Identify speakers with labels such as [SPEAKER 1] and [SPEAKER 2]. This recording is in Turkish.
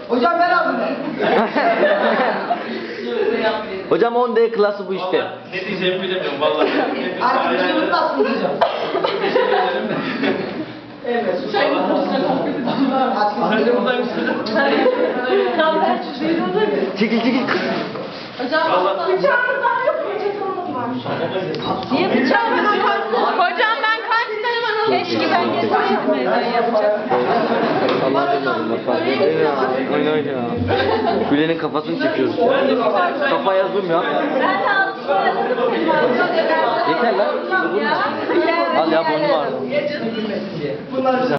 [SPEAKER 1] Hocam ben aldım.
[SPEAKER 2] Hocam 10D klası bu işte.
[SPEAKER 3] Ne diyeceğimi bilemiyorum vallahi.
[SPEAKER 1] Artık videoyu nasıl hocam? Evet.
[SPEAKER 2] Çekil çekil.
[SPEAKER 4] Hocam bıçağımız var yok mu? Çatalımız var. Niye bıçağımız yok? Hocam ben kaç tane keşke ben getirseydim evden yapacak.
[SPEAKER 2] Allah bilmiyorum. Oyna oyna. Gülen'in kafasını çekiyoruz. Kafaya zoom ya.
[SPEAKER 4] Ben de aldım.
[SPEAKER 2] Yeter lan. Al ya bunu var.
[SPEAKER 1] Bunlar